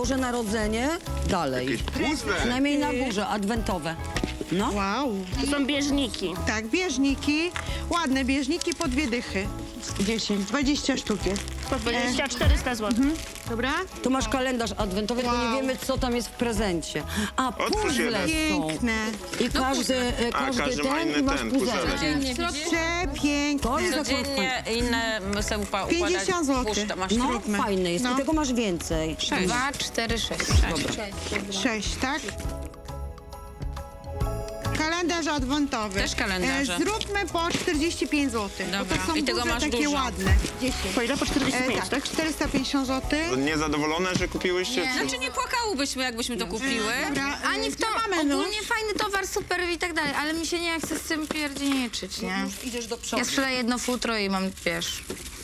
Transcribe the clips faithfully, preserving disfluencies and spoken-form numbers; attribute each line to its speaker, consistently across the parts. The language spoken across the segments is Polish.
Speaker 1: Boże Narodzenie, dalej.
Speaker 2: Jakieś puzzle.
Speaker 1: Przynajmniej na górze, adwentowe. No.
Speaker 3: Wow.
Speaker 4: To są bieżniki.
Speaker 3: Tak, bieżniki. Ładne bieżniki po dwie dychy. dziesięć, dwadzieścia sztuk jest.
Speaker 4: Po dwadzieścia czterysta złotych.
Speaker 3: Dobra?
Speaker 1: Tu masz kalendarz adwentowy, tylko nie
Speaker 3: Wow.
Speaker 1: wiemy, co tam jest w prezencie. A,
Speaker 2: Otwórz
Speaker 1: puzzle
Speaker 2: jeden.
Speaker 1: są.
Speaker 3: Piękne.
Speaker 1: I każdy, e,
Speaker 2: A,
Speaker 1: każdy
Speaker 2: każdy ma
Speaker 1: ten
Speaker 2: inny
Speaker 1: i masz
Speaker 2: ten,
Speaker 1: puzelek.
Speaker 2: puzelek.
Speaker 3: Przepiękne.
Speaker 1: To jest akurat fajne.
Speaker 5: Codziennie inne sobie upa- układać.
Speaker 3: pięćdziesiąt złotych.
Speaker 5: Puszczę, masz
Speaker 1: No,
Speaker 3: Zróbmy.
Speaker 1: fajny jest.
Speaker 3: No.
Speaker 1: I tego masz więcej.
Speaker 5: dwa, cztery, sześć.
Speaker 3: Sześć, tak? Kalendarz adwentowy.
Speaker 5: Też kalendarze.
Speaker 3: E, zróbmy po czterdzieści pięć złotych. Bo
Speaker 5: Dobra.
Speaker 3: to są
Speaker 5: I tego
Speaker 3: duże,
Speaker 5: masz
Speaker 3: takie
Speaker 5: dużo.
Speaker 3: ładne. dziesięć.
Speaker 4: Po ile? Po czterdzieści
Speaker 3: E,
Speaker 4: pięć,
Speaker 3: tak,
Speaker 4: tak?
Speaker 3: czterysta pięćdziesiąt złotych.
Speaker 2: Niezadowolone, że kupiłyście? Czy...
Speaker 5: Znaczy nie płakałybyśmy, jakbyśmy to kupiły.
Speaker 3: Dobra,
Speaker 6: Ani w to
Speaker 3: mamy nóż.
Speaker 6: ogólnie fajny towar, super i tak dalej, ale mi się nie chce z tym pierdzieniczyć, nie?
Speaker 1: Idziesz do przodu.
Speaker 6: Ja sprzedaję jedno futro i mam, wiesz,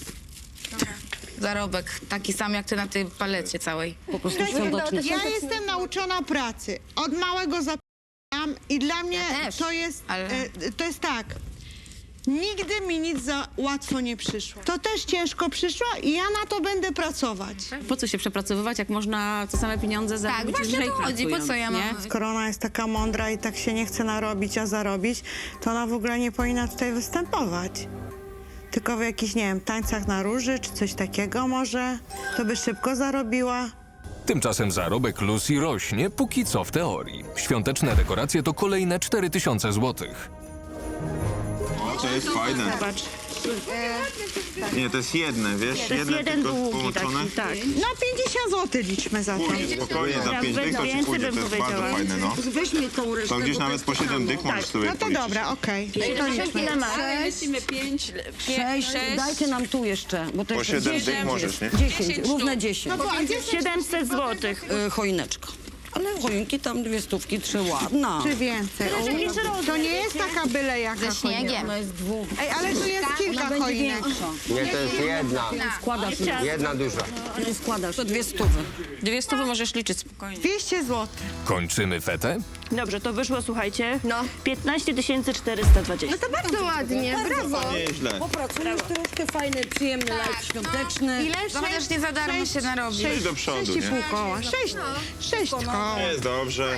Speaker 6: zarobek taki sam jak ty na tej palecie całej.
Speaker 1: Po prostu świąteczny.
Speaker 3: Ja jestem nauczona pracy. Od małego zapomniałam i dla mnie
Speaker 6: Ja też,
Speaker 3: to jest,
Speaker 6: ale-
Speaker 3: e, to jest tak. Nigdy mi nic za łatwo nie przyszło. To też ciężko przyszło i ja na to będę pracować.
Speaker 7: Po co się przepracowywać, jak można te same pieniądze
Speaker 6: Tak,
Speaker 7: zarobić
Speaker 6: właśnie
Speaker 7: lżej
Speaker 6: o to chodzi, po
Speaker 7: pracując,
Speaker 6: co ja
Speaker 7: nie?
Speaker 6: mam...
Speaker 3: Skoro ona jest taka mądra i tak się nie chce narobić, a zarobić, to ona w ogóle nie powinna tutaj występować. Tylko w jakichś, nie wiem, tańcach na róży czy coś takiego może, to by szybko zarobiła.
Speaker 8: Tymczasem zarobek Lucy rośnie, póki co w teorii. Świąteczne dekoracje to kolejne cztery tysiące złotych.
Speaker 2: O, to jest fajne.
Speaker 4: Zobacz.
Speaker 2: Nie, to jest jedne, wiesz?
Speaker 4: To jest
Speaker 2: jedne
Speaker 4: jeden
Speaker 2: tylko
Speaker 4: długi
Speaker 2: połączone.
Speaker 4: taki, tak.
Speaker 3: No pięćdziesiąt złotych liczmy za to.
Speaker 2: Pójdzie, spokojnie, za
Speaker 4: Ja
Speaker 2: pięć
Speaker 4: bym
Speaker 2: dych to ci
Speaker 4: więcej
Speaker 2: pójdzie,
Speaker 4: bym
Speaker 2: to jest bardzo
Speaker 4: powiedziała.
Speaker 2: fajne, no.
Speaker 1: Weźmy tą resztę.
Speaker 2: To gdzieś
Speaker 1: bo
Speaker 2: nawet
Speaker 1: jest
Speaker 2: po siedem
Speaker 1: tano.
Speaker 2: dych możesz sobie
Speaker 3: No to
Speaker 2: policzyć.
Speaker 3: dobra, okej. To liczmy.
Speaker 4: Ile masz?
Speaker 7: Lecimy pięć,
Speaker 1: Sześć,
Speaker 5: Sześć.
Speaker 1: dajcie nam tu jeszcze, bo to
Speaker 2: Po
Speaker 1: jest
Speaker 2: siedem
Speaker 1: dziesięć.
Speaker 2: dych możesz, nie?
Speaker 1: dziesięć,
Speaker 5: Dziesięć
Speaker 1: równe
Speaker 5: sztuk.
Speaker 1: dziesięć.
Speaker 3: No bo a gdzie są
Speaker 4: siedemset złotych.
Speaker 1: Y, choineczka. Ale choinki tam dwie stówki, trzy ładna.
Speaker 3: czy więcej? O, to nie jest taka byle jaka
Speaker 6: Ze śniegiem.
Speaker 1: Ona jest dwóch.
Speaker 3: Ej, ale tu jest kilka
Speaker 1: Ona będzie
Speaker 3: choinek.
Speaker 1: większa.
Speaker 9: Nie, to jest jedna.
Speaker 1: Składasz,
Speaker 9: Jedna duża.
Speaker 1: nie składasz. To dwie stówy.
Speaker 5: Dwie stówy możesz liczyć spokojnie.
Speaker 3: dwieście złotych.
Speaker 8: Kończymy fetę?
Speaker 4: Dobrze, to wyszło, słuchajcie,
Speaker 6: No.
Speaker 4: piętnaście tysięcy czterysta dwadzieścia.
Speaker 6: To bardzo ładnie, brawo.
Speaker 2: Nieźle.
Speaker 1: Popracujesz troszkę, fajny, przyjemny live świąteczny.
Speaker 3: Ile?
Speaker 6: No chociaż nie za darmo się narobi.
Speaker 2: Idź do przodu,
Speaker 3: Sześć i
Speaker 2: nie?
Speaker 3: pół koła. Sześć, sześć koła.
Speaker 2: Jest dobrze.